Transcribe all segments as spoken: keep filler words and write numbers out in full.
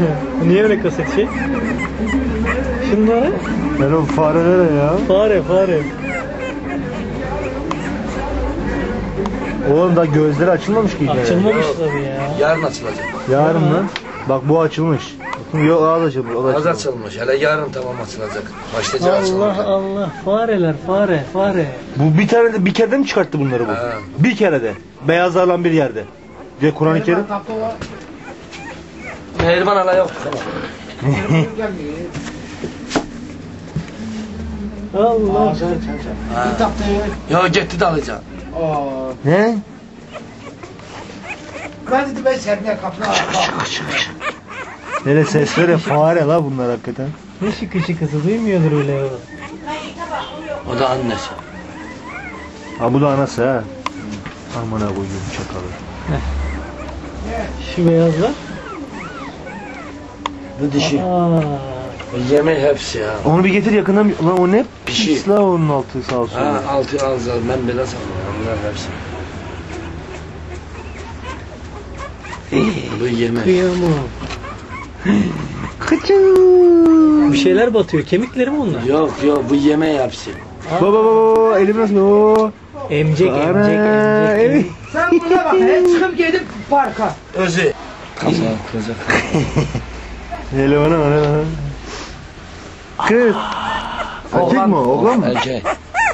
Niye öyle kasık şey? Şunlara. Ben o farelere ya. Fare fare. Oğlum da gözleri açılmamış ki. Açılmamış tabii ya. Yarın açılacak. Yarın mı? Bak bu açılmış. Yok az açılmış. O da Az açılmış. açılmış. Hele yarın tamam açılacak. Başlayacak Allah açılacak. Allah. Fareler fare fare. Bu bir tane de bir kere de mi çıkarttı bunları bu? Ha. Bir kere de. Beyazlarla bir yerde. Diye Kur'an-ı Kerim. Mehriban hala yok. Allah. Ya gitti de alacağım. Ne? Ben dedim ben sermeye kapına Hele ses ver ya, fare la bunlar hakikaten. Ne şıkı şıkısı duymuyordur öyle ya. O da annesi. Ha bu da anası ha. Amına koyayım çakalı. Şu beyazlar. Bu dişi. Aa. Yemeği hepsi ya. Onu bir getir yakından bir... Lan o ne? Pişi. Pis la onun altı sağ olsun. Ha altı alacağız. Ben bile sanmıyorum. Bunlar hepsi. Bu yemek. Kıyamam. Bir şeyler batıyor. Kemikleri mi onlar? Yok yok bu yemeği hepsi. Baba baba baba elim nasıl? Oo. Emcek Ana, emcek emcek. evet. Sen buna bak he çıkıp gidip parka. Özü. Kafa kıracak. Hele bana bana bana. Kız. Erkek mi o? Oğlan mı? Erkek.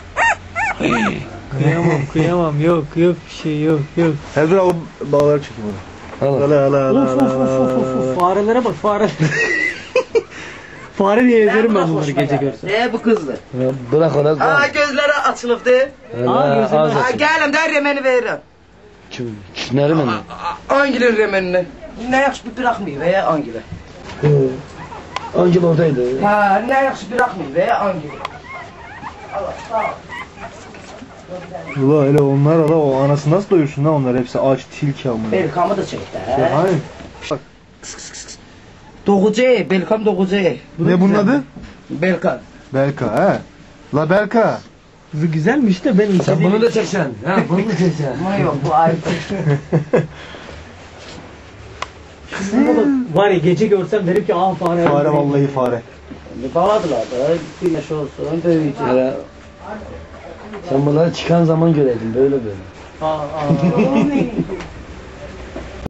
Kıyamam kıyamam. Yok yok bir şey yok yok. Her dur o bağları çekeyim onu. Al. Ala ala ala Of of ala of of of of. Farelere bak fare. Fare diye ezerim ben bunları gece görsem. Ne bu kızdı? Bırak ona. Aa gözleri açılıptı. Aa, gözünü az aç. Aa açın. gelim de remeni veririm. Kim? Kimleri mi? Angil'in remenini. Ne yakış bir bırakmıyor veya Angil'e. Angel oradaydı. Ha ne yakış bırakmıyor veya Angil'e. Allah sağ ol. Ula hele onlar ala o anası nasıl doyursun lan onlar hepsi aç tilki amına. Belkamı da çekti he. Ya hani? Doğucu, Belkam Doğucu. Ne bunun adı? Belkam. Belka he. La Belka. Bu güzelmiş de ben Sen bunu da çeksen. Ha bunu da çeksen. Ama yok bu ayrı. Var ya gece görsem derim ki ah fare. Fare vallahi fare. Bir bağladılar da güneş olsun böyücü. Hele. Sen bunları çıkan zaman göreydin böyle böyle. Aa, aa.